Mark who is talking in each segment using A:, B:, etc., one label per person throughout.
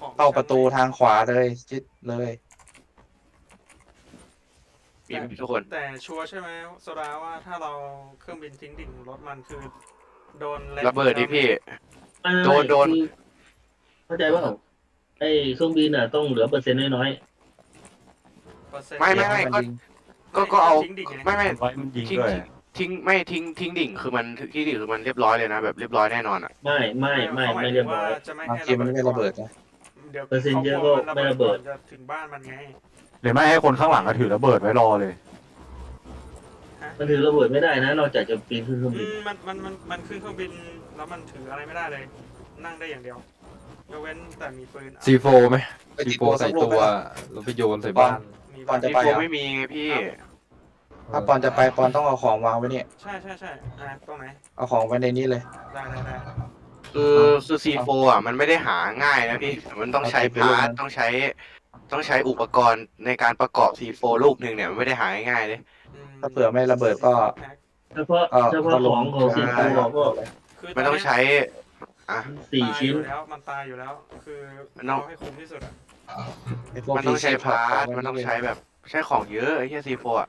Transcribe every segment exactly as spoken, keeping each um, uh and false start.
A: ของ
B: เข้าประตู
A: ชั้นไหน
B: ทางขวาเลยชิดเลย
C: มีไหมทุกคน
A: แต่ชัวร์ใช่ไหมโซดาว่าถ้าเราเครื่องบินทิ้งดิ่งรถมันคือ โดนแลน
C: ระเบิดดิพี่
D: ไม่
C: โดนโดน
D: คือเข้าใจว่าไอ้เครื่องบินอ่ะต้องเหลือเปอร์เซ็นต์น้อย
A: เปอร์เซ็นต์
C: ไม่ไม่ไม่
B: น
C: ก็
B: ยิง
C: ก็ก็เอา
A: ทิ้งดิ่งไง
C: ไม่ไม่
E: ไว้มันยิง
C: ทิ้ง
E: ด้วย
C: ทิ้งไม่ทิ้งทิ้งดิ่งคือมันทิ้งดิ่งคือมันเรียบร้อยเลยนะแบบเรียบร้อยแน่นอนอ่ะ
D: ๆไม่ไม่ไม่ไม่เรียบร้อย
A: จะไม่
B: บาง
A: ให้
B: ทีมันไม่ระเบิดนะ
A: เดี๋ยว
D: เปอร์เซ็นต์เยอะก็ไม่ระเบิด
A: จะถึงบ้านมันไง
E: หรือไม่ให้คนข้างหลังก็ถือระเบิดไว้รอเลย
D: มันถือระเบิดไม่ได้นะนอกจากจะปีนขึ้นเครื่อง
A: อื
D: บิน
A: มมันมันมันมันขึ้นเครื่องบินแล้วมันถืออะไรไม่ได้เลย นั่งได้อย่างเดียวยกเว้นแต่มีปืน
F: ซีโฟไหม
B: ไป
F: ซี
B: ติด
F: โฟ
B: ตัว
F: ใส่
B: สักลูก
F: ตัว
B: ไหม
F: แล้วไปโยนใส่บ้าน
A: มี
B: ก่อนจะ
C: ซี
B: ไป
C: โฟ
B: อ่ะ
C: ไม่มีไงพี่
B: ถ้าปอนจะไปปอนต้องเอาของวางไว้เนี่ย
A: ใช่ใช่ใช่อ่ะตรงไหน
B: เอาของไว้ในนี้เลย
A: ได้ได้ได้
C: คือคือซีโฟอ่ะมันไม่ได้หาง่ายนะพี่มันต้องใช้
B: เอาไป
C: พาร์ท
B: เลยนะ
C: ต้องใช้ ต้องใช้อุปกรณ์ในการประกอบซีโฟลูกหนึ่งเนี่ยมันไม่ได้หาง่ายๆเลย
A: อืม
B: ถ้าเผื่อไม่ระเบิดก็
D: เฉพาะ
B: เออ
D: เฉพาะของของสิงคโปร์ก็
A: คือ
C: มันต้องใช้อ่ะ
D: สี่ชิ้น
A: ตายอยู่แล้วมันตายอยู่แล้ว คือ
C: มันต้อง
A: เอาให้คุ้มที่สุดอ่ะ
B: ไอ้พวก
C: มันต้องใช้
B: พี
C: พาร์ท
B: ข
C: มันต้องใช้แบบใช้ของเยอะไอ้เหี้ยซีโฟอ่ะ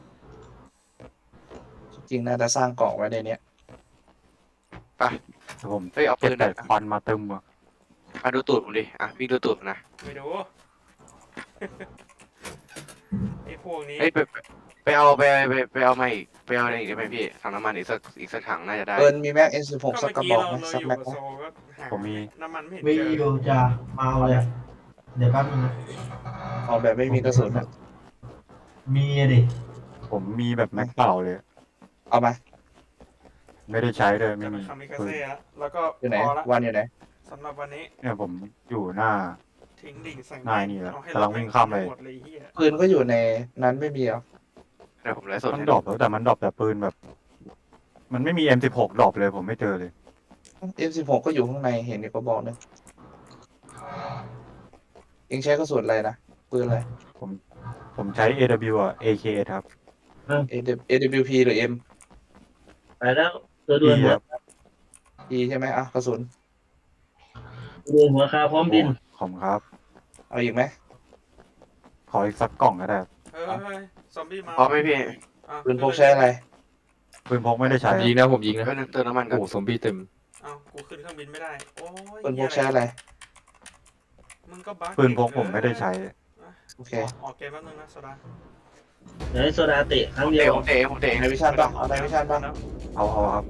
B: จริงๆน่าจะสร้างเกาะไว้ในเนี้ย
E: แต่ผม
C: เฮ้ยเอาปื
E: เก็บ
C: น
E: แต่
C: อ่ะ
E: ควันมาเต็มอ่ะ
C: อ่ะดูตูดผมดิอ่ะพี่ดูตูดผมนะ
A: ไปดู ไอ้พวกนี้
C: เอ้ยไปไปไปเอาไปไปไปเอามาอีกไปเอาอะไรอีกได้ไหมพี่ถังน้ำมันอีกสักอีกสักถังน่าจะได้
B: เอิญมีแม็กเอ็นสิบหก
A: ก็
B: สัก
A: เมื่อก
B: ระ
A: กี้
B: บอก
A: เรา
B: ไหม
A: เรา
B: สัก
A: อยู่
B: แม็ก
A: กับ
B: ไหม
A: โซก็หา
E: ผมมี
A: น้ำมันไม่เห็น
G: มี
A: เจอ
G: อยู่จ้ะมาเอาเลย เดี๋ยวแป๊บนึงนะ
B: เอาแบบไม่มีกระสุนอะ
G: มีอะดิ
E: ผมมีแบบแม็กเปล่าเลย
B: เอามา
E: ไม่ได้ใช้เลยไม่
A: จะ
E: มี
A: เป็นคามิคา
E: ปืน
A: เซ่ละแล้วก็
B: อยู่ไหน
A: พอละ
B: วันอยู่ไหน
A: สำหรับวันนี้
E: เนี่ยผมอยู่หน้า
A: ทิ้งดิ่งใส่
E: นายนี่แหละ
A: เอาให้
E: กำลังวิ่งข้ามไป
A: หมดเลยไอ้เหี้ย
B: ปืนก็อยู่ในนั้นไม่มีเหรอ
C: เดี๋ยวผมไลฟ์สด
E: มัน
C: ให้
E: ดรอปแล้วแต่มันดรอปแต่ปืนแบบ มันไม่มี เอ็ม สิบหก ดรอปเลยผมไม่เจอเลย
B: เอ็มสิบหกก็อยู่ข้างในเห็นในกระบอกนึงเองใช้กระสุนอะไรนะปืนอะไร
E: ผมใช้ เอ ดับเบิลยู อ่ะ เอ เค ครับ
B: เอ ดับเบิลยู พี หรือ M
D: ไปแล้วตัวด่วน
E: ดี
D: หัว
E: ครับ
B: E ใช่ไหมอ่ะกระสุน
D: ตัวด่วนหัวคาพร้อมบิน
E: ขอบคุณครับ
B: เอาอีกไหม
E: ขออีกสักกล่องก็ได้
A: เฮ้ยเฮ้ยซอมบี้มา
C: พร้อมไหมพี่
A: อ่ะ
B: ปืนพกใช้อะไร
E: ปืนพกไม่ได้ใช้
F: ยิงนะผมยิงนะ
C: ก็นึงเติมน้ำมันกัน
F: โอ้ซอมบี้เต็ม
A: เอ้ากูขึ้นเครื่องบินไม่ได้ โอ้ย
B: ปืนพก
A: เหี้
B: ใช้
A: ย
B: อะไร
A: มึงก็บั๊ก
E: ปืนพกผมไม่ได้ใช้
B: โอเค
A: ออกเกมแป๊บนึงนะโซดา
D: เดี๋ยวให้โซดาเตะครั้ง
C: ผม
D: เดีย
C: เตะ
D: ว
C: ผมเตะผมเตะ
B: ในวิชั่นป่ะเอาในวิชั่นป่ะ
E: เอาเอาครับ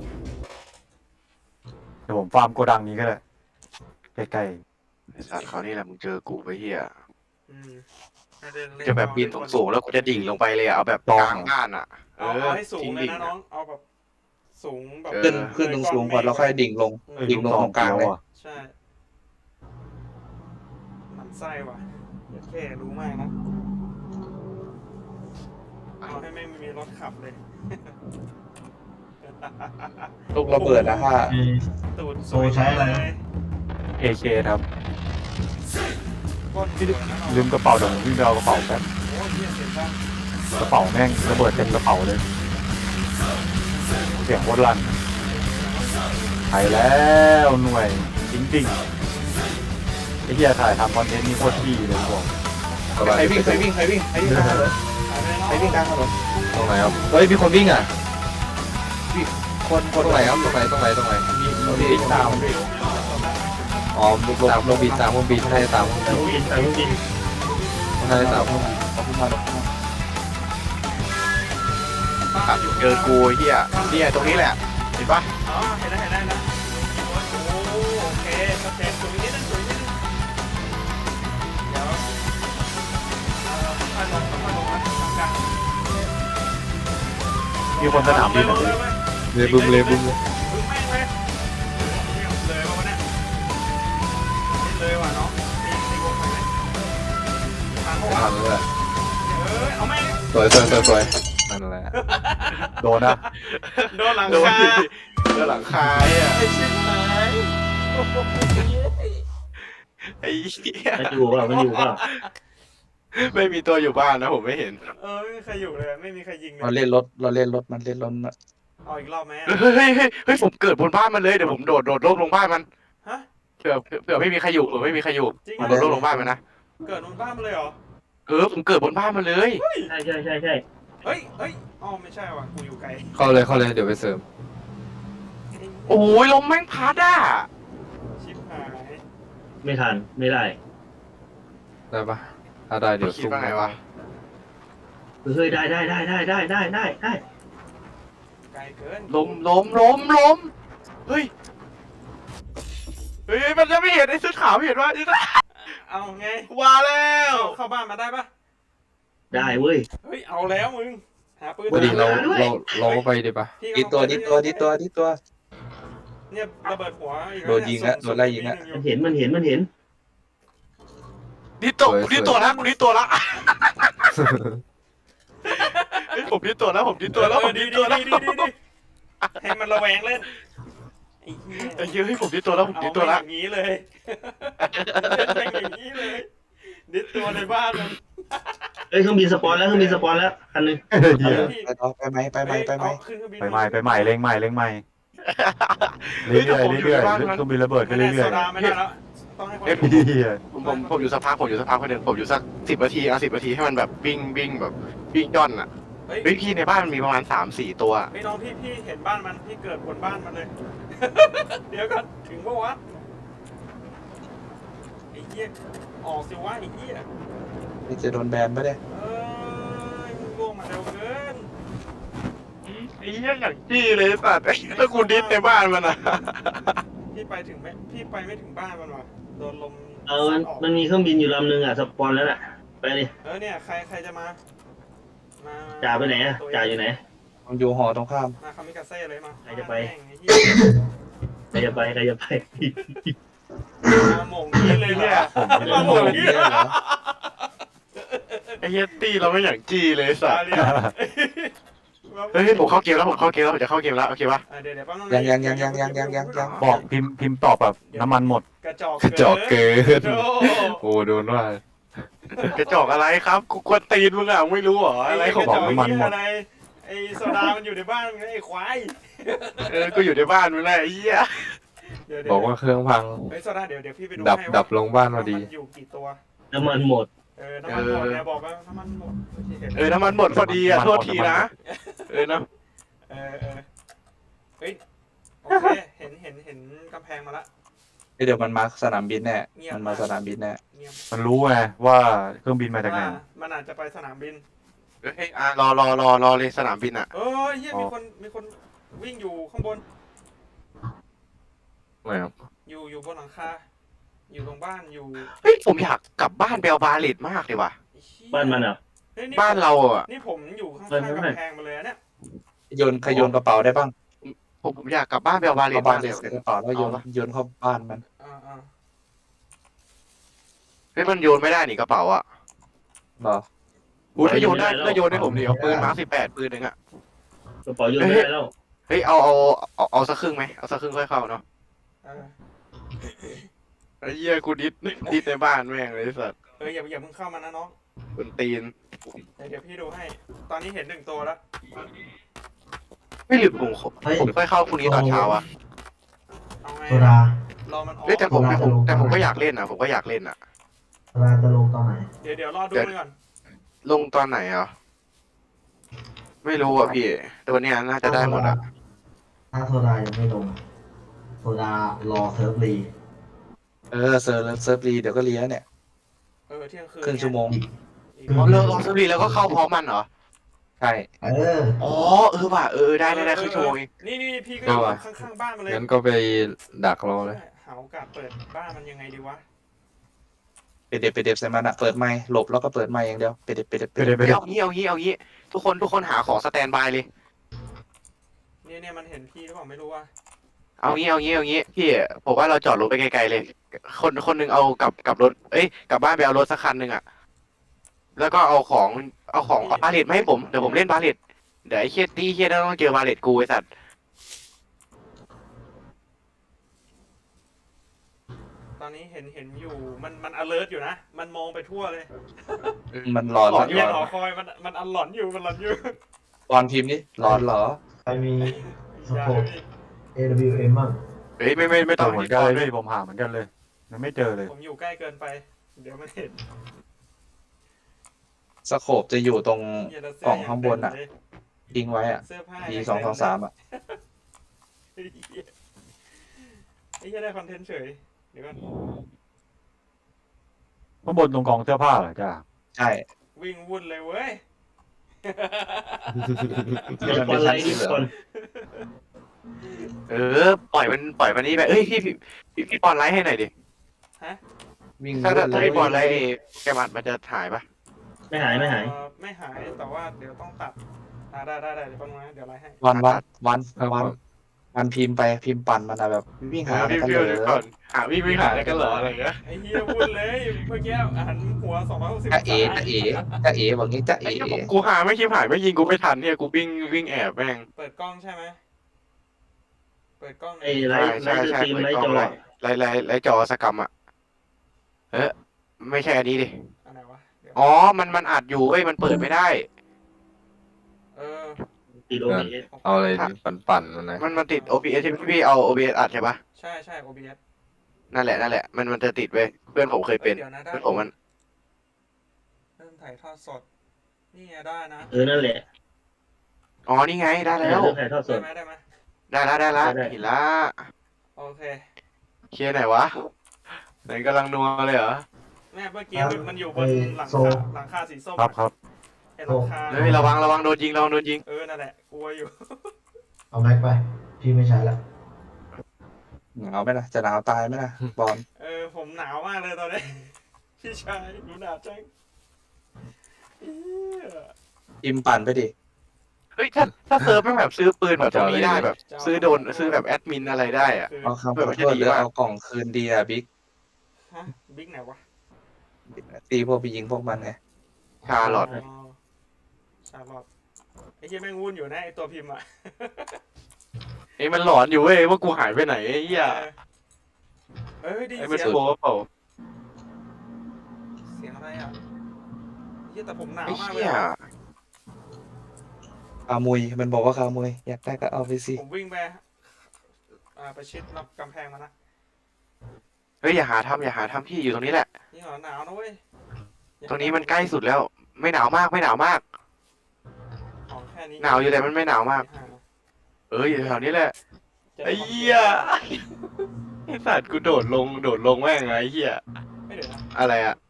E: เดี๋ยวผมฟาร์มโกดังนี้ก็ได้ใกล้
C: ไอ้สัตว์เขาวนี่แหละมึงเจอกูไปเฮีย
A: อืมให้ได้เล่น
C: จะแบบบินสูงๆแล้วกูจะดิ่งลงไปเลยอะเอาแบบกลางบ้านอ่ะ เอ
A: เอา
C: อ
A: เอาให้สูง
C: ทิ้ง
A: เลย
C: ดิ่ง
A: นะน้อง เอาแบบสูงแบบ
C: เออ
B: ขึ้นขึ้นตรงสูงก่อนแล้วค่อยดิ่งลง
A: อืม
E: ๆ
B: ดิ่งลงตรงกลางเลย
E: อ่ะ
A: ใช่ มันไส้ว่ะแค่รู้มากนะ เอาให้ไม่มีรถขับเลย
B: ลูกระเบิดนะฮะ
G: มี
A: ตูด
G: โซใช้อะไรนะ
E: เอ เค ครับ
A: ก้นที่ดึกนะน้อง
E: ลืมกระเป๋าเดี๋ยวผมวิ่งไปเอากระเป๋าแป๊บ
A: โอ้ยเหี้ยเสียงดัง
E: กระเป๋าแม่งระเบิดเต็มกระเป๋าเลย เสียงโคตรลั่นไปแล้วหน่วยจริงๆไอ้เหี้ยถ่ายทำคอนเทนต์นี่โคตรดีเลยบอก
B: ใครวิ่งใครวิ่งใครวิ่งใครวิ่งกลางถนน
A: ไปเลยน้อง
B: ใครวิ่งกลางถนน
F: ตรงไหนครับเฮ้ยมีคนวิ่งอ่ะ
B: คนค
F: ตร
B: น
F: งไหนครับตรงไหนตรงไหนตรงไหน
B: ที่วิ่งตาม
F: อ๋อลงตามลงบินตามลงบินใช่ตาม
D: เครื่องบินเครื่องบิน
F: ใช่ตาม
B: เอาขึ้นมาลงขึ้นมา
C: อ่ะเจอกูไอ้เฮียเนี่ยตรงนี้แหละ เห็นปะ
A: อ๋อเห็นแล้วเห็นแล้วนะโอ้โหโอเคสเต็ปสวยนิดนึงสวยนิดนึงเดี๋ยวเอ่อค่อยลงค่อยลงนะกลางๆ
E: มีคนสนามบิน
A: ล
E: อะ
A: ง
E: พี่
A: เลยเว้ย
F: เลยบุ้มเลยบุ้มเลย
A: บึ้มแม่งเลยเนี่ยเลยมาวะเนี่ยเลยว่ะน้องตีตีวงไปไหมทางเขา
F: ไม่
A: วะ
F: ทันแล้วแหละ
A: เออเอาแม่ง
F: สวยสวยสวยสวยนั่นแหละ
E: โดนนะ
A: โดนหลัง
C: โดน
A: คา
C: ดิโดนหลังคาอ่ะ
A: ไอ้ชิบหายโอ้โห
C: ไอ้เหี้ย
D: มันอยู่เปล่ามันอยู่เปล่า
C: ไม่มีตัวอยู่บ้านนะผมไม่เห็น
A: เออไม่มีใครอยู่เลยไม่มีใครยิงเล
B: เรา
A: ย
B: เล่นรถเราเล่นรถมันเล่นรถน่ะ
A: เอาอีกรอบไหมอะ
C: เฮ้ยเฮ้ยเฮ้ยเฮ้ยผมเกิดบนบ้านมันเลยเดี๋ยวผมโดดโดดร่มลงบ้านมัน
A: ฮะ
C: ผื่อเผื่อไม่มีใครอยู่เผื่อไม่มีใครอยู่
A: จริง
C: ผม
A: เหร
C: โด
A: อน
C: ลงบ้านมันนะ
A: เกิดบนบ้านมาเลยเหรอ
C: เออผมเกิดบนบ้านมันเลย
D: ใช่ใช่ใช่ใช่
A: เฮ้ยเฮ้ยอ๋อไม่ใช่ว่ะกูอยู่ไกล
F: เข้าเลยเข้าเลยเดี๋ยวไปเสริม
C: โอ้ยลมแม่งพัดอ่ะ
A: ชิบหาย
D: ไม่ทันไม่ได้
F: ได้ปะถ้าได้เดี๋ยว
C: คิด
F: ซุ่ม
C: ว่าไงวะ
D: เฮ้ยได้ได้ได้ได้ได้ได้ได้ได้
A: ไกลเกิน
C: ลมลมลมลมเฮ้ยเฮ้ยมันจะไม่เห็นไอ้เสื้อขาวไม่เห็นว่าไอ้เสื้อ
A: เอาไง
C: ว่าแล้ว
A: เข้าเข้าบ้านมาได้ปะ
D: ได้เว้ย
A: เฮ้ยเอาแล้วมึงหาปืน
F: วันนี้เรา
D: ด้วย
F: เราเราก็ไปดีปะ
A: พี่
B: ดิดตัวดิดตัวดิดตัวดิดตัว
A: เนี่ยระเบิดหัวอีก
B: โดนยิงละโดนไล่ยิงละ
D: มันเห็นมันเห็นมันเห็น
C: ดิตัวดิตัวแล้วผมดิตัวแล้วเฮ้ยผมดิตัวแล้วผมดิตัวแล้วผม
A: ดี
C: ดิ
A: ดี
C: ตัวแล้ว
A: ดีดีดีให้มันระแวงเล่นไอ้เหี้ย
C: ไอ้เหี้ยเฮ้ยผมดิตัวแล้วผมดิตัวแล้ว
A: เอาอย่างนี้เลยเล่นอย่างนี้เลยดิดตัวในบ้านมัน
D: เอ้ยเครื่องบินสปอนแล้วเครื่องบินสปอนแล้วคันหนึง
E: เหี้ย
B: ไปต่อไปไหมไปไหมไปไหม
A: เอาขึ้นเครื่องบิน
E: ไปใหม่ไปใหม่เล็งใหม่เล็งใหม่เรื่อยๆเรื่อยๆเครื่องบินระเบิด
A: ไม่
E: ขึ้น
A: ได้
E: เรื่
A: โซ
E: อย
A: ดาไม่ได้แล้วต้องให้คน
C: เอ้ย
E: ๆเหี้ย
C: ผมผมผมอยู่สักพักผมอยู่สักพักคนหนึ่งผมอยู่สักสิบนาทีเอาสิบนาทีให้มันแบบวิ่งวิ่งแบบวิ่งย่อนอ่ะ
A: เฮ้ย
C: เฮ้ยพี่ในบ้านมันมีประมาณสามสี่ตัว
A: เฮ้ยน้องพี่พี่เห็นบ้านมันพี่เกิดบนบ้านมันเลย เดี๋ยวกันถึงปะวะไอ้เหี้ยออกสิวะไอ้เหี้ย
B: นี่จะโดนแบนปะเนี่ย
A: เอ้ยมึงล่วงมาเร็วเกิน
C: ไอ้เหี้ยอย่างจี้เลยสัตว์ไอ้ถ้ากูดิสในบ้านมันอ่ะ
A: พี่ไปถึงไหมพี่ไปไม่ถึงบ้านมันวะโดนลม
D: เออมัน
A: ซัดออก
D: มันมีเครื่องบินอยู่ลำหนึงอ่ะสปอนแล้วน่ะไปเลย
A: เออเนี่ยใครใครจะมามา
D: จ่าไปไหนอ่ะจ่าอยู่ไหน
B: มันอยู่หอตรงข้าม
A: มาคามิกาเซ่เลยมา
D: ใครจะไป
A: แม่งไอ้เหี้ย
D: ใครจะไปใครจะไป
A: มาหม่งนี้เลยเหรอมาหม่งนี้
B: เนี่ยเหรอ
C: ไอ้เหี้ยตี้เราไม่อย่างจี้เลยสั
A: ตา
C: ตว์
A: เรีย
C: เฮ้ยผมเข้าเกมแล้วผมเข้าเกมแล้วผมจะเข้าเกมแล้วโอเคปะ
A: อ่ะเดี๋ยวเดี๋ยวแป๊บนึง
B: ยังยังยังยังยังยังยังยัง
E: บอกพิมพ์พิมพ์ตอบแบบน้ำมันหมด
A: กระจอก
F: กระจอกเกิน
A: โอ้
F: โอ้โดนว่า
C: กระจอกอะไรครับกูกวนตีนมึงอ่ะไม่รู้เหรออะไรของ
A: กระจ
C: มึ
A: อก
C: ง
A: เหี้ยอะไรไอ้โซดามันอยู่ในบ้านมึงไอ้ควาย
C: เออกูอยู่ในบ้านมึงแหละไอ้เหี้ย
A: เดี๋ยวเดี๋ยว
F: บอกว่าเครื่องพัง
A: เฮ้ยโซดาเดี๋ยวเดี๋ยวพี่ไปดู
F: ดับ
A: ให้
F: ดั
A: ว่า
F: บลงบ้านพอดี
A: มันอยู่กี่ตัว
D: น้ำมันหมด
A: เออ น้ำมันหมดเนี่ยบอกว่าน้ำมันหมดที่เห็น
C: เออน้ำมันหมดพอดีอ่ะโทษทีนะเออนะ
A: เออเออเฮ้ย โอเค เห็นเห็นเห็นกำแพงมาละ
B: เดี๋ยวมันมาสนามบินแน่
A: เงียบ
B: มันมาสนามบินแน่
A: เงียบ
E: มันรู้ไงว่าเครื่องบินมาจากไหน
A: ว่ามันอาจจะไปสนามบิน
C: เฮ้ยอ่ะรอรอรอรอเลยสนามบินอ่ะ
A: เออเฮียมีคนมีคนวิ่งอยู่ข้างบน
F: ไม่ครับ
A: อยู่อยู่บนหลังคา อยู่ตรงบ้านอยู่
C: เฮ้ยผมอยากกลับบ้านไปเอาบาเลตมากเลยว่ะ
A: ไอ้เหี้ย
D: บ้านมันอ่ะ
A: เฮ้ยนี่
C: บ้านเราอ่ะ
A: นี่ผมอยู่ข้าง
D: เฮ้ย
A: ๆ
D: ไม่ไม่
A: กำแพงมาเลยอะเนี่ย
B: โยนขยโยนกระเป๋าได้บ้าง
C: ผมผมอยากกลับบ้านไปเอาบาเลต
B: เอาบ้าม
C: าน กเลย
B: ใส่กระเป๋าแล้วโยนโยนเข้าบ้านมัน
A: อ่าอ่า
C: เฮ้ยมันโยนไม่ได้นี่กระเป๋าอ่ะ
B: เหรอ
C: อู้ถ้าโยนได้ถ้าโยนให้ผมดิเอาปืนมาสิบแปดปืนหนึ่งอ่ะ
D: กระเป๋าโยนไม่ได้แล้ว
C: เฮ้ยเอาเอาเอาเอาสักครึ่งไหมเอาสักครึ่งค่อยเข้าเนาะ
A: เออ
C: ไอ้เหี้ยกูดิสดิสในบ้านแม่งเลยไอ้สัตว์
A: เอออย่าอย่าเพิ่งเข้ามานะน้อง
C: คนตีน
A: เดี๋ยวเดี๋ยวพี่ดูให้ ตอนนี้เห็นหนึ่งตัวแล้ว
C: ไม่หรือผม
G: เฮ้ย
C: ผมค่อยเข้าพรุ่งนี้ตอนเช้าอ่ะ
A: เอาไง
G: โซดาร
A: อมันออก
C: เฮ้ยแต่ผมแต่ผมแต่ผมก็อยากเล่นอ่ะผมก็อยากเล่นอ่ะ
G: โซดาจะลงตอนไหน
A: เดี๋ยวเดี๋ยวรอดูมันก่อน
C: ลงตอนไหนอ่ะไม่รู้อ่ะพี่แต่วันเนี้ยน่าจะได้หมดอ่ะ
G: ถ้าโซดายังไม่ลงโซดารอเซิร์ฟรี
B: เออเซิร์ฟเซิร์ฟรีเดี๋ยวก็เลี้ยเนี่ย
A: เออเที่ยงคืน
B: ครึ่งชั่วโมง
A: อีก
C: อ๋อเลิกลองสตรีแล้วก็เข้าพร้อมมันเหรอ
B: ใช่
G: เออ
C: อ๋อเออว่ะเออได้ได้ได้ครึ่งชั่วโมงเอง
A: นี่นี่พี่ก็อยู่ข้างๆบ้านมาเลย
F: งั้นก็ไปดักรอเลย
A: หาโอกาสเปิดบ้านมันยังไงดีวะ
B: ไปเด็บไปเด็บใส่มันอะเปิดไมค์หลบแล้วก็เปิดไมค์อย่างเดียวไปเด็บไปเด็บไปเด็บ
E: ไปเด็บ
C: เอางี้เอางี้เอางี้ทุกคนทุกคนหาของสแตนบายเลย
A: เนี่ยเนี่ยมันเห็นพี่หรือเปล่าไม่รู้ว่า
C: เอางี้เอางี้เอางี้พี่ผมว่าเราจอดรถไปไกลๆเลย คนคนหนึงเอากลับกลับรถเอ้ยกลับบ้านไปเอารถสักคันหนึ่งอ่ะแล้วก็เอาของเอาของเอาบาเลตมาให้ผมเดี๋ยวผมเล่นบาเลตเดี๋ยวไอ้เคียตี้เคียต้องเจอบาเลตกูไอ้สัตว์
A: ตอนนี้เห็นเห็นอยู่มันมัน alert อยู่นะ มันมองไปทั่วเลย
B: มันหลอน
A: หลอน
B: ห
A: เนี่ย
B: ล
A: หอ
B: อน
A: คอยมันมันอันหลอนอยู่มันหลอนอยู่
B: ตอนพิมพ์นี่หลอนเหรอ
G: ใครมีส
A: อย่า
G: โคป
A: พี่
G: เอ ดับเบิลยู เอ็ม บ้าง
C: เฮ้ยไม่ไม่ไม่
E: ต้
C: ต้
E: อ
C: อง ง
E: เหมือน
C: พี่
E: กัน
C: ปอ
E: เลย
C: ด้วย
E: พี่ผมหาเหมือนกันเลยยังไม่เจอเลย
A: ผมอยู่ใกล้เกินไป เดี๋ยวมันเห็น
B: สโคปจะอยู่ตรง
A: เหี้ยแล้วเสื้
B: กล่องข้างบนอะ
A: ย่เต็มเลย
B: ทิ้งไว้อ่ะ
A: เสื้อผ้า
B: ดี
A: ย่
B: สองสองสามอ่ะ
A: ไอ้เหี้ยไอ้เหี้ยได้คอนเทนต์เฉย เดี๋ยวก่อน
E: ข้างบนตรงกองเสื้อผ้าเหรอจ้า
B: ใช่
A: วิ่งวุ่นเลยเว้ย
D: เดี๋ยวก่อนไลน์นี่ก่อน
C: เออปล่อยมันปล่อยมันนี่ไปเอ้ยพี่พี่พี่พี่ปอนไลท์ให้หน่อยดิ
A: ฮะ
B: วิ่ง
C: ถ้า
B: วุ่นเล
C: ถ้าย พี่ปอนไลท์แกมันมันจะหายปะ
D: ไม่หายไม่หาย
A: เอ่อไม่หาย แต่ว่าเดี๋ยวต้องตัดอ่าได้ได้ได้เดี๋ยวแป๊บนึงนะเดี๋ยวไลน์ให้
B: วันวันวันวันวันพิมพ์ไปพิมพ์ปั่นมันอะแบบวิ่งหา
C: พี่
B: กัน
C: พี่
B: เลย
C: ก่อนหาพี่ไม่หาอะไรกันเหรออะไรเงี้ย
A: ไอ้เหี้ยวุ่นเลย เมื่อกี้หันหัวสองร้อยหกสิบ
B: จ้าเอ๋จ้าเอ๋จ้าเอ๋บอกงี้จ้า
C: ไอ้
B: เอ๋
C: เหี้ยกูหาไม่คิดหายไม่ยิงกูไม่ทันเนี่ยกูวิ่งวิ่งแอบแม่ง
A: เปิดกล้องใช่ไหม เปิดกล้อง
D: ไอ้ไลฟ์ไล
C: ใช่
D: ฟ์ส
C: ใช่
D: ตรีมไลฟ์จอ
C: ไลท์ไลท์ไลท์จอสกรรมอ่ะเออไม่ใช่อันนี้ดิ
A: อันไหนวะเดี๋ยว
C: อ๋อมันมันอัดอยู่เว้ยมันเปิดไม่ได้
A: เออ
D: ติดโอ บีเอส
F: เอาอะไรปั่นปั่นๆมันนะ
C: มันมันติด โอ บี เอส ใช่ไหมพี่เอา โอ บี เอส อัดใช่ปะ
A: ใช่ใช่ โอ บี เอส
C: นั่นแหละนั่นแหละมันมันจะติดเว้ยเพื่อนผมเคยเป็น
A: เดี๋ยวนะได้
C: เพื่อนผมมัน
A: เริ่มถ่ายทอดสด นี่ไงได้นะ
D: เออนั่นแหละ
C: อ๋อนี่ไงได้แล้ว
D: เรื่องถ่ายทอดส
A: ได้
D: ด
A: ไหมได้ไหม
C: ได้แล้วได้แล้ว
D: ได้
C: เห็นละ
A: โอเค
C: เคลียร์ไหนวะไหนกำลังนัวเลยเหรอ
A: แม่เมื่อกี้มันมันอยู่บนหลัง
G: โซ
A: คาหลังคาสีส้ม
E: ครับครับ
A: ไอ้หลังคา
C: เฮ้ยระวังระวังโดนยิงระวังโดนยิง
A: เออ นั่นแหละ กลัวอยู่
G: เอาแม็กไป พี่ไม่ใช้ละ
B: หนาวไหมล่ะจะหนาวตายไหมล่ะบอล
A: เออ ผมหนาวมากเลยตอนนี้ พี่ชายหนูหนาวจังเอี้ย
B: พิมพ์ปั่นไปดิ
C: เฮ้ยถ้าถ้าเซิร์ฟแม่งแบบซื้อปืนแบบตรงนี้ได้แบบ ซื้อโดนซื้อแบบแอดมินอะไรได้อะ
A: คือ
B: เอาคำ
C: เอ
B: ข
C: อมั
B: อน โท
C: จะ
B: ษ
C: ดี
B: หรือ
C: มาก
B: เอากล่องคืนดีอะบิ๊ก
A: ฮะ บิ๊กไหนวะ
B: ตีพวกไปยิงพวกมันไง
C: ชาลอต
A: ชาลอตไอ้เหี้ยแม่งวุ่นอยู่นะไอ้ตัวพิมพ์อ่ะ
C: ไอ้ยมันหลอนอยู่เว้ยว่ากูหายไปไหนไอ้เหี้ย
A: เออเอ้ยได้ยิ
C: ไอ้
A: น
C: มัน
A: เสียง
C: โผล่เปล่า
A: เสียงอะไรอ่ะเหี้ยแต่ผมหนาว
C: ไอ้
A: มากเลย
C: เหี้ย
A: อะ
B: คามุยมันบอกว่าคามุยอยากได้ก็เอาไปสิ
A: ผมวิ่งไปอ่าไปชิดรับกำแพงมานะ
C: เฮ้ยอย่าหาทำอย่าหาทำพี่อยู่ตรงนี้แหละ
A: นี่เหรอหนาวนะเว้ย
C: ตรงนี้มันใกล้สุดแล้ว ไม่หนาวมากไม่หนาวมาก
A: ของแค่นี้
C: หนาวอยู่แต่มันไม่หนาวมาก
A: ไอ้ห่
C: เอออยู่แถวนี้แหละ
A: จะด้
C: ไอ้เหี้ยไอ้สัตว์กูโดดลงโดดลงแม่งไงไอ้เหี้ย
A: ไม่เดี๋ยวนะ
C: อะไรอ่ะ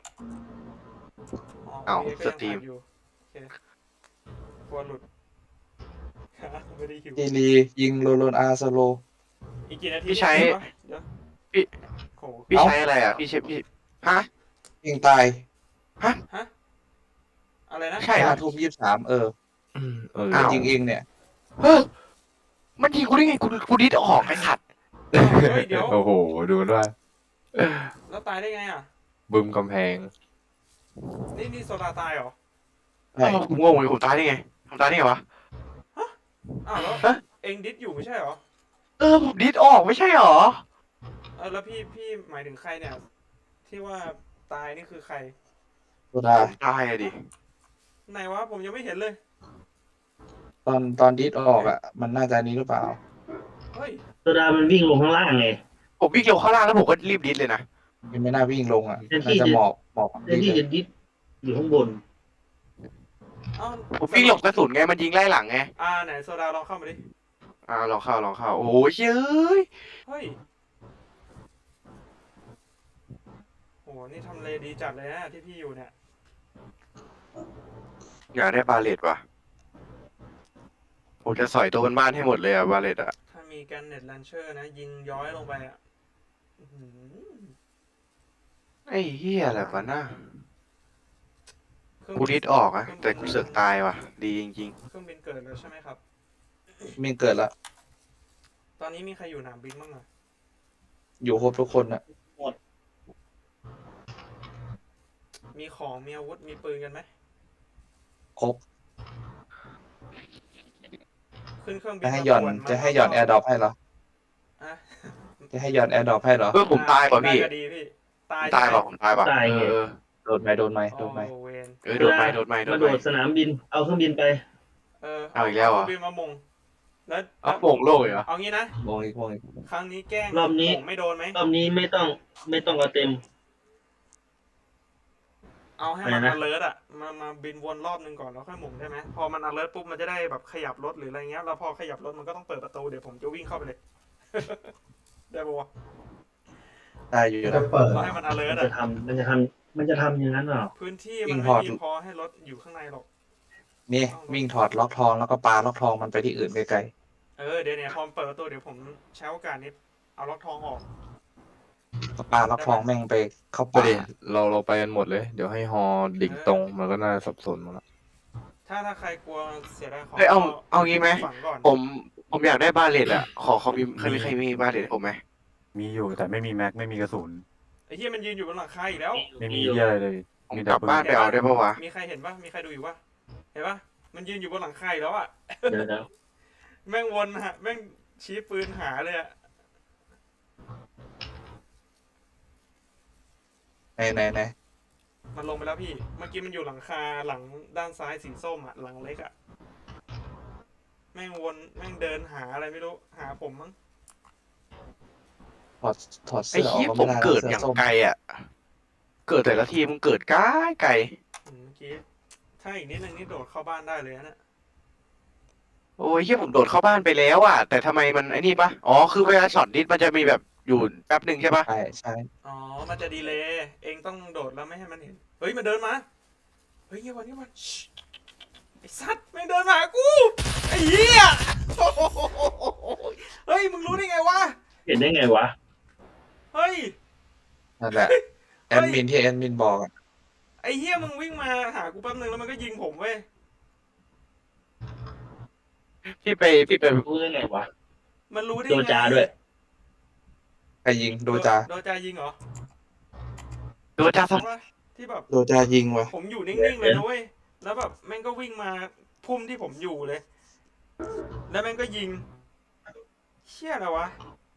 C: เอ้า
A: โคก็ยัง
C: สตรีม
A: ถ่ายอยู่โอเคกลัวหลุด ไม่ได้หิว
B: ทีรียิงโลโลนอาร์โซโล
A: อีกกี่นาที
C: พี่ใช้
A: เนี่ยเดี๋ยว
C: พี่
A: โอ้โห
C: พี่
B: เอ้า
C: ใช้อะไรอ่ะพี่ใช้พี่ฮะ
B: ยิงตาย
A: อะไรนะ
C: ใช่เหร
B: ห้า
C: อ
B: ทุ่มยี่สิบสามเออ
F: เออ
C: อ้าว
B: ยิงเองเนี่ย
C: เฮ้ยมันยิงกูได้ไงกูกูดิดออกไอ้สัตว์
A: อ้าวเฮ้ยเดี๋ยว
F: โอ้โหดูด้วย
A: แล้วตายได้ไงอ่ะ
F: บึมกำแพง
A: นี่นี่โซดาตายเหรอ
B: ใช่
C: อ้าวผมงงเลยผมตายได้ไงผมตายได้ไงวะ
A: อ้าวแล้ว
C: ฮะ
A: เองดิสอยู่ไม่ใช่เหรอ
C: เออผมดิดออกไม่ใช่เหรอ
A: เออแล้วพี่พี่หมายถึงใครเนี่ย ที่ว่าตายนี่คือใคร
B: โซดา
C: ผมตายอะดิ
A: ไหนวะผมยังไม่เห็นเลย
B: ตอนตอนดิสออกอ่ะ มันน่าจะนี้หรือเปล่า
A: เฮ้ย
D: โซดามันวิ่งลงข้างล่างไง
C: ผมวิ่งเร็วข้างล่างแล้วผมก็รีบดิดเลยนะ
B: มันไม่น่าวิ่งลงอ่ะ
D: แทนที่
B: น่าจะ
D: จะ
B: หมอบหมอบ
D: แทนที่จะดิสอยู่ข้างบน
A: เอ้า
C: ผมวิ่งหลบกระสุนไงมันยิงไล่หลังไง
A: อ่าไหนโซดาลองเข้ามาดิ
C: อ่าลองเข้าลองเข้าโอ้ยเย้ย
A: เฮ้ยโหนี่ทำเลดีจัดเลยนะที่พี่อยู่เนี่ย
C: อยากได้บาเลตว่ะผมจะสอยตัวบนบ้านให้หมดเลยอะบาเลตอะ
A: ถ้ามีแกนเน็ตแลนเชอร์นะ ยิงย้อยลงไปอ่ะอื้อหือ
C: ไอ้เหี้ยอะไรวะน่า
A: เครื่อง
C: กู
A: บิน
C: ดิดออกอะแต่กูเสือกตายว่ะ ดีจริง
A: เครื่องบินเกิดแล้วใช่ไหมครับ
B: มีเกิดละ
A: ตอนนี้มีใครอยู่หนามบินบ้างอ่ะ
B: อยู่ครบทุกคนอ่ะ
A: มีของมีอาวุธมีปืนกันไหม
B: ครบ
A: ขึ้นเครื่องบิน
B: จะให้หย่อน
A: มาป่ว
B: จะให้หย่อนแอร์ดรอปให้เหรอ
A: อ่ะ
B: จะให้หย่อนแอร์ดรอปให้เหรอ
C: ๆเออผมตายป่ะพี่
A: ก็ดีพี่ ตาย
C: ตาย
A: ใช่ไหม
C: ป่ะผมตายป่ะ
D: ตาย
C: เอ
D: ไง
C: อเออ
B: โดนไหมโดนไหมโดนไหม
A: โอ้เวน
C: เออโดนไหมโดนไหมโด
D: มาน
C: ไห
D: โด
C: ม
D: ดสนามบิน เอาเครื่องบินไป
A: เออ
C: เอาอีกแล้วเหรอ
A: เครื่องบินมามงแล้ว
C: เอาโป่งโล่เหรอ
A: เอางี้นะ
B: วงอีกวงอีก
A: ครั้งนี้แกล้ง
D: รอบนี้
A: ผมไม่โดนไหม
D: รอบนี้ไม่ต้องไม่ต้องเอาเต็ม
A: เอาให้มัน
D: อะไรนะ
A: alert อ่ะมามาบินวนรอบนึงก่อนแล้วค่อยหมุนได้ไหมพอมัน alert ปุ๊บมันจะได้แบบขยับรถหรืออะไรเงี้ยแล้วพอขยับรถมันก็ต้องเปิดประตูเดี๋ยวผมจะวิ่งเข้าไปเลย ได้ปะวะ
B: ได้อยู่
G: จะ
B: นะ
G: เปิด
A: เราให้มัน
D: มัน
A: alert
D: จะ
A: อ่ะ
D: ทำมันจะทำมันจะทำอย่างนั้นเหรอ
A: พื้นที่
B: วิ่
A: มัน
B: ง
A: ไม่
B: พอ
A: มี
B: ด
A: พอให้รถอยู่ข้างในหรอก
B: นี่วิ่งถอดล็อกทองแล้วก็ปาล็อกทองมันไปที่อื่นไกล
A: เออเดี๋ยวเนี่ยพอมันเปิดประตูเดี๋ยวผมใช้โอกาสนี้เอาล็อกทองออก
B: ๆก็ปาล็อกทองแม่งไปเข้า
F: ก็
B: ป่า
F: ดิเราเราไปกันหมดเลย เดี๋ยวให้ฮอดิ่งตรงมันก็น่าสับสนหมดละ
A: ถ้าถ้าใครกลัวเสียดายของ
C: เฮ้ยเอาเอางี้ไหม
A: ฝังก่อน
C: ผมผมอยากได้บาเลตอ่ะ ขอเขามีใครมีใครมีบาเลตให้ผมไหม
E: มีอยู่แต่ไม่มีแม็กไม่มีกระสุน
A: ไอ้เหี้ยมันยืนอยู่บนหลังคาอีกแล้ว
E: ไม่มีเหี้ยอะไรเลย
C: ผม
E: มี
C: ก
E: แต่
C: ลับ
E: ปืน
C: บ้านไปเอาได้ปะวะ
A: มีใครเห็นปะมีใครดูอยู่ปะเห็นปะมันยืนอยู่บนหลังคาอีกแล้วอ่ะ
D: เดี๋ยวเดี๋ยว
A: แม่งวนฮะแม่งชี้ปืนหาเลยอะ
B: ไหนไหนไหน
A: มันลงไปแล้วพี่ เมื่อกี้มันอยู่หลังคาหลังด้านซ้ายสีส้มอะหลังเล็กอะแม่งวนแม่งเดินหาอะไรไม่รู้หาผมมั้ง
B: ถอดถอด
C: ไอ้
B: เสื้อออก
C: เหี้ย
B: ก็
C: ผ
B: ไม่
C: ม
B: ได้นะ
C: เกิด
B: เสื้
C: อย่าง
B: ส้ม
C: ไกลอ่ะ เกิดแต่ละทีมึงเกิดไกลไกล
A: อืมเมื่อกี้ถ้าอีกนิดนึงนี่โดดเข้าบ้านได้เลยนะเนี่ย
C: โอ้ยเหี้ยผมโดดเข้าบ้านไปแล้วอ่ะ แต่ทำไมมันไอ้นี่ปะอ๋อคือเวลาช็อตดิสมันจะมีแบบอยู่แป๊บหนึ่งใช่ปะ
B: ใช่ใช่
A: อ๋อมันจะดีเลย์เองต้องโดดแล้วไม่ให้มันเห็นเฮ้ยมันเดินมาเฮ้ยเงี้ยวันนี้มันชิไอ้สัตว์แม่งเดินมาหากูไอ้เหี้ย โอ้โหเฮ้ยมึงรู้ได้ไงวะ
D: เห็นได้ไงวะ
A: เฮ้ย
B: นั่นแหละแอดมินที่แอดมินบอกอะ
A: ไอ้เหี้ยมึงวิ่งมาหากูแป๊บนึงแล้วมันก็ยิงผมเว้ย
C: พี่ไปพี่ไป
D: รู้ได้ไงวะ
A: มันรู้ได้
D: โด
A: ไง
D: จาด้วย
B: ใครยิงโดจา
A: โดจายิงเหรอ
C: โดนจ้าสัก
A: ว่าที่แบบ
B: โดจายิงวะ
A: ผมอยู่นิ่งๆเลยนะเว้ย แล้วแบบแม่งก็วิ่งมาพุ่มที่ผมอยู่เลย แล้วแม่งก็ยิง เชี่ยอะไรวะ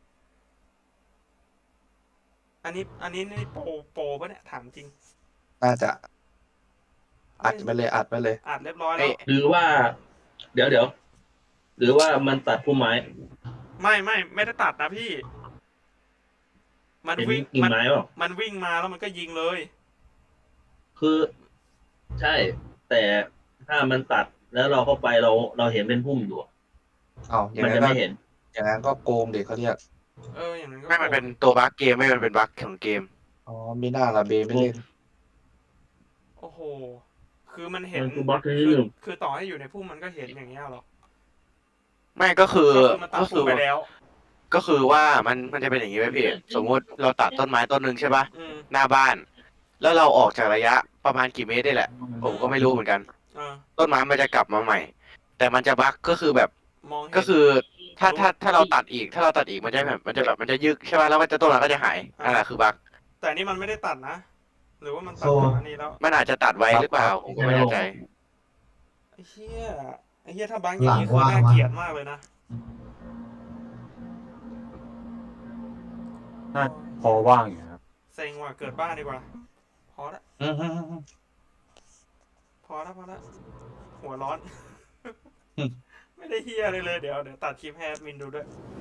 A: อันนี้อันนี้นี่โปรโปรปะเนี่ยถามจริง
B: น่าจะอัดไปเลยอัดไปเลย
A: อัดเรียบร้อยแล้
C: เอ้
A: วย
D: หรือว่า เดี๋ยวเดี๋ยวหรือว่ามันตัดพุ่มไม้
A: ไม่ไม่ไม่ได้ตัดนะพี่ มัน
D: เห็น
A: วิ่ง
D: กิ่ง
A: มัน
D: ไม้เปล่า
A: มันวิ่งมาแล้วมันก็ยิงเลย
D: คือ ใช่ แต่ถ้ามันตัดแล้วเราเข้าไปเราเราเห็นเป็นพุ่มอยู่
B: เอาอย่าง
D: มัน
B: นั้
D: จะ
B: นก็
D: ไม่เห็น
B: อย่างนั้นก็โกงเด็กเขาเรียก
A: เอออย่างนั้นก็
C: ไม่มันเป็นตัวบั๊กเกมไม่มันเป็นบั๊กของเกม
B: อ๋อมีหน้าละเบไม่เล่น
A: โอ้โห คือมันเห็น
D: มันคือบล็อกที่
A: คื
D: หนึ่ง
A: คือต่อให้อยู่ในพุ่มมันก็เห็นอย่างเงี้ยหรอ
C: ไม่ก็คือ
A: ก็คือมันตัด
C: ก็
A: พุ่
C: คื
A: ม
C: อ
A: ไปแล้ว
C: ก็คือว่ามันมันจะเป็นอย่างนี้ไหมพี่ สมมุติเราตัดต้นไม้ต้นหนึ่งใช่ปะ
A: อืม
C: หน้าบ้าน แล้วเราออกจากระยะประมาณกี่เมตรได้แหละ ผมก็ไม่รู้เหมือนกัน
A: อ่า
C: ต้นไม้มันจะกลับมาใหม่ แต่มันจะบั๊กก็คือแบบ
A: มองเห็น
C: ก็คือถ้าถ้าถ้าเราตัดอีก ถ้าเราตัดอีกมันจะแบบมันจะแบบมันจะยึกใช่ไหมแล้วมันจะต้นไม้ก็จะหายนั่นแหละคือบั๊ก
A: แต่นี่มันไม่ได้ตัดนะ หรือว่ามันตัด
G: โซ่
A: ก่อนอันนี้แล้ว
C: มันอาจจะตัดไว้หรือเปล่าผมก็ไม่แน่ใจ
A: ไอ้เหี้ย ไอ้เหี้ยถ้าบังอย่างนี้คือน่าเกลียดมากเลยนะ
E: น่าพอว่างอยู่ครับ
A: เซ็งว่ะเกิดบ้านดีกว่า พอละ
B: อืมฮึ่ม
A: พอละพอละหัวร้อน
B: อืม
A: ไม่ได้เหี้ยเลยเลย เดี๋ยวเดี๋ยวตัดคลิปให้แอดมินดูด้วย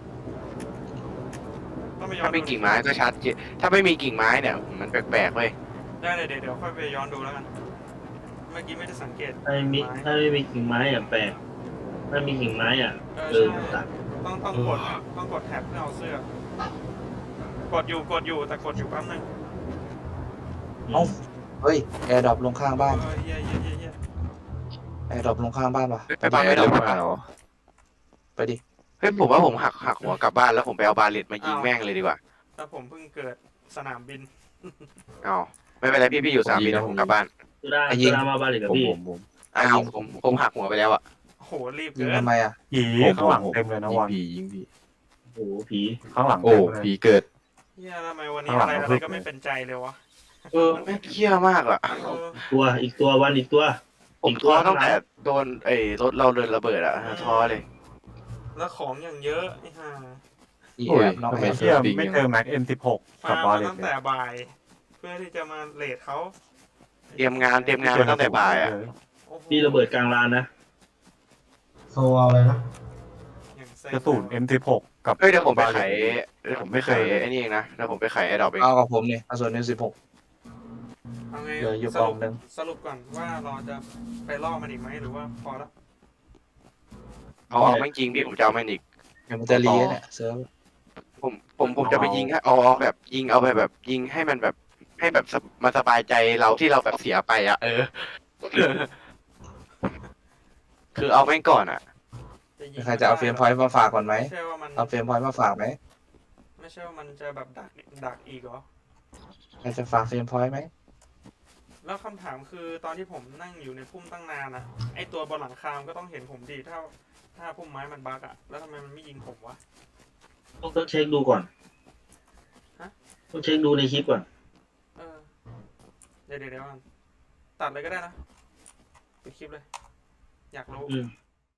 A: ต้องไปย้อน
C: ถ้ามีกิ่งไม้ก็ชัดเจนถ้าไม่มีกิ่งไม้เนี่ย มันแปลกๆเว้ย
A: ได้เลยเดี๋ยวเดี๋ยวค่อยไปย้อนดูแล้วกัน เมื่อกี้ไม่ได้สังเกต
D: ถ้าไม่มีถ้าไม่มีกิ่งไม้อ่ะแปลกถ้ามีกิ่งไม้อ่ะ
A: เออ
D: เออ
A: ใช่
D: ตัด
A: ต้องต้องกดต้องกดแท็บเพื่อเอาเสื้อ กดอยู่กดอยู่แต่กดอยู่แป๊บนึง
B: เอ้าเฮ้ยแอร์ดรอปลงข้างบ้าน
A: เออเหี้ยเหี้ยเหี้ยเหี้ย
B: แอร์ดรอปลงข้างบ้านวะ
C: ไปบ้านไม่ได้
F: หรือ
C: หรอ
F: เปล่า
B: ไปดิ
C: เฮ้ยผมว่าผมหักหักหัวกลับบ้านแล้วผมไปเอาบาเลตมายิงแม่งเลยดีกว่า
A: แต่ผมเพิ่งเกิดสนามบิน
C: เอ้าไม่เป็นไรพี่พี่อยู่สนามบินนะผมกลับบ้าน
D: สุดา
B: ไอ้ยิ
D: สุ
B: ง
D: ดามาบ้านหรือกับ
F: ผม
D: พี่
F: ผมผม
C: อ้าวผมผมหักหัวไปแล้วอะ
A: โหรีบ
B: ยิ
A: เกิ
B: ง
A: น
B: ทำไมอ่ะ
E: ผี
F: ผม
E: ข้างหลัง
F: ผม
E: เต็มเลยนะ
F: ยิ
E: วั
F: ง
E: น
F: ผียิงผี
D: โอ้โหผี
E: ข้างหลัง
F: โอ้
E: เต็มเลย
F: ผีเกิด
A: เฮียทำไมวันนี้
E: ข้างหลั
A: อะ
E: ง
A: ไร
E: เรา
A: อะไร
E: เพิ่ง
A: ก็ไม่เป็นใจเลยวะ
C: เออแม่งเคี้ยมากอะ
A: เออ
D: ตัวอีกตัววันอีกตัว
C: ผมท้อตั้งแต่โดนไอ้รถเราเดินระเบิดอะท้อเลย
A: แล้วของอย่างเยอะไอ้ห่า
B: อี
F: โอ้
B: แอย บนอก
F: ทำ
B: แอ
F: ไม
B: บ
E: เที่ยไม่เจอแม็กเอ็มสิบหก
A: มา
E: กับบา
A: มา
E: เลต
A: ตั้ง
E: เล
A: แต่
E: ย
A: บ่าย เพื่อที่จะมาเลทเขา
C: เตรียมงานเตรียมงานมาตั้งแต่บ่ายอะ
A: โอ้โห
D: พี่ระเบิดกลางลานนะ
G: โซเอาเลยนะ
A: อย่าง
E: กระสุน เอ็ม สิบหก กับ
C: เฮ้ยเดี๋ยวผมไปไข
E: บาเลต
C: เดี๋ยวผมไปไขไอ้นี่เองนะเดี๋ยวผมไปไขไอ้ดอกเอง
B: เอากับผมนี่เอาส่วนนี้สิบหก
A: เอาไง
B: เหลืออยู่
A: ส
B: กล่
A: รุ
B: อ
A: ป
B: งหนึ่ง
A: สรุปก่อนว่าเราจะไปล่อมันอีกไหมหรือว่าพอแล้ว
C: เอาเอาแม่งจริงพี่ผมจะเอาแม่งอีก
B: เดี๋ยวมันจะรีเนี่ยเซิร์ฟ
C: ผมผมผมจะไปยิงให้เอาเอาแบบยิงเอาไปแบบยิงให้มันแบบให้แบบสบมาสบายใจเราที่เราแบบเสียไปอ่ะ เออ คือเอาแม่งก่อนอ่ะ
A: ยิง
B: ใครจะเอาเฟรมพอยต์มาฝากก่อนไหม
A: ไม่ใช่ว่ามัน
B: เอาเฟรมพอยต์มาฝากไหม
A: ไม่ใช่ว่ามันจะแบบดักดักอีกเหรอ
B: ใครจะฝากเฟรมพอยต์ไหม
A: แล้วคำถามคือตอนที่ผมนั่งอยู่ในพุ่มตั้งนานอะไอตัวบนหลังคามนก็ต้องเห็นผมดีถ้าถ้าพุ่มไม้มันบักอะแล้วทำไมมันไม่ยิงผมวะ
D: ต้องเช็คดูก่อน
A: ฮะ
D: ต้องเช็คดูในคลิปก่อน
A: เออเดี๋ยวเดี๋ยวเดี๋ยวก่อนตัดเลยก็ได้นะปิดคลิปเลย อยากรู้
D: อืม